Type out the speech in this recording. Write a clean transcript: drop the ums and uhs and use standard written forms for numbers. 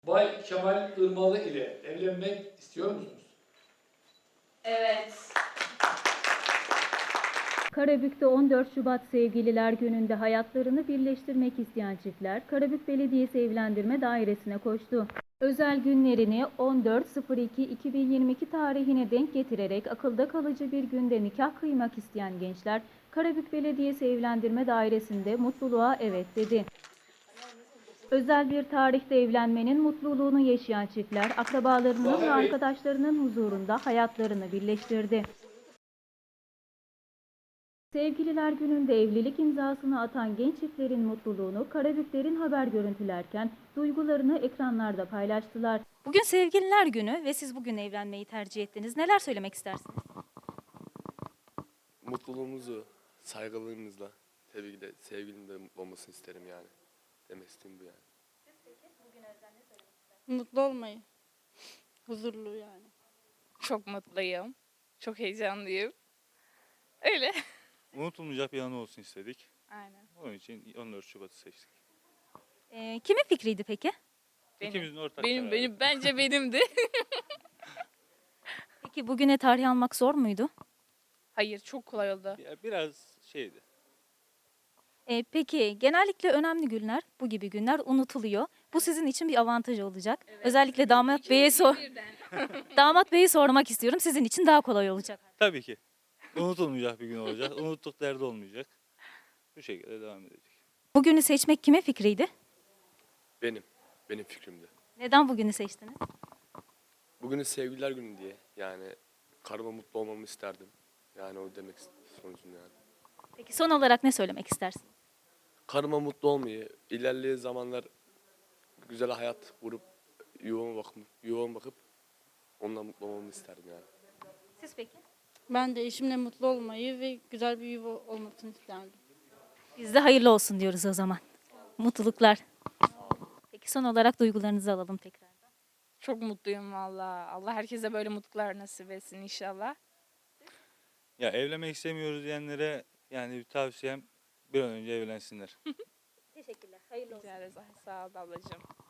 Bay Kemal Irmalı ile evlenmek istiyor musunuz? Evet. Karabük'te 14 Şubat Sevgililer Günü'nde hayatlarını birleştirmek isteyen çiftler Karabük Belediyesi Evlendirme Dairesi'ne koştu. Özel günlerini 14.02.2022 tarihine denk getirerek akılda kalıcı bir günde nikah kıymak isteyen gençler Karabük Belediyesi Evlendirme Dairesi'nde mutluluğa evet dedi. Özel bir tarihte evlenmenin mutluluğunu yaşayan çiftler akrabalarının ve arkadaşlarının huzurunda hayatlarını birleştirdi. Sevgililer Günü'nde evlilik imzasını atan genç çiftlerin mutluluğunu Karabüklerin haber görüntülerken duygularını ekranlarda paylaştılar. Bugün Sevgililer Günü ve siz bugün evlenmeyi tercih ettiniz. Neler söylemek istersiniz? Mutluluğumuzu saygılığımızla tabii ki de sevgilinin de mutlu olmasını isterim yani. Demek istediğim bu yani. Mutlu olmayı. Huzurlu yani. Çok mutluyum. Çok heyecanlıyım. Öyle. Unutulmayacak bir anı olsun istedik. Aynen. Onun için 14 Şubat'ı seçtik. Kimin fikriydi peki? İkimizin ortak Benim, kararı. bence benimdi. Peki bugüne tarih almak zor muydu? Hayır, çok kolay oldu. Biraz şeydi. Peki genellikle önemli günler, bu gibi günler unutuluyor. Bu sizin için bir avantaj olacak. Özellikle damat beye damat beyi sormak istiyorum. Sizin için daha kolay olacak. Tabii ki. Unutulmayacak bir gün olacak. Unuttuk derdi olmayacak. Bu şekilde devam edecek. Bugünü seçmek kimin fikriydi? Benim fikrimdi. Neden bugünü seçtiniz? Bugünün sevgililer günü diye yani karıma mutlu olmamı isterdim. Yani o demek sonucunda yani. Peki son olarak ne söylemek istersin? Karıma mutlu olmayı, ilerleyen zamanlar güzel hayat kurup yuvama bakıp onunla mutlu olmamı isterdim yani. Siz peki? Ben de eşimle mutlu olmayı ve güzel bir yuva olmasını isterdim. Biz de hayırlı olsun diyoruz o zaman. Mutluluklar. Peki son olarak duygularınızı alalım tekrar. Çok mutluyum valla. Allah herkese böyle mutluluklar nasip etsin inşallah. Ya evlenmek istemiyoruz diyenlere yani bir tavsiyem bir an önce evlensinler. Teşekkürler. Hayırlı olsun. Rica ederiz. Sağ ol ablacığım.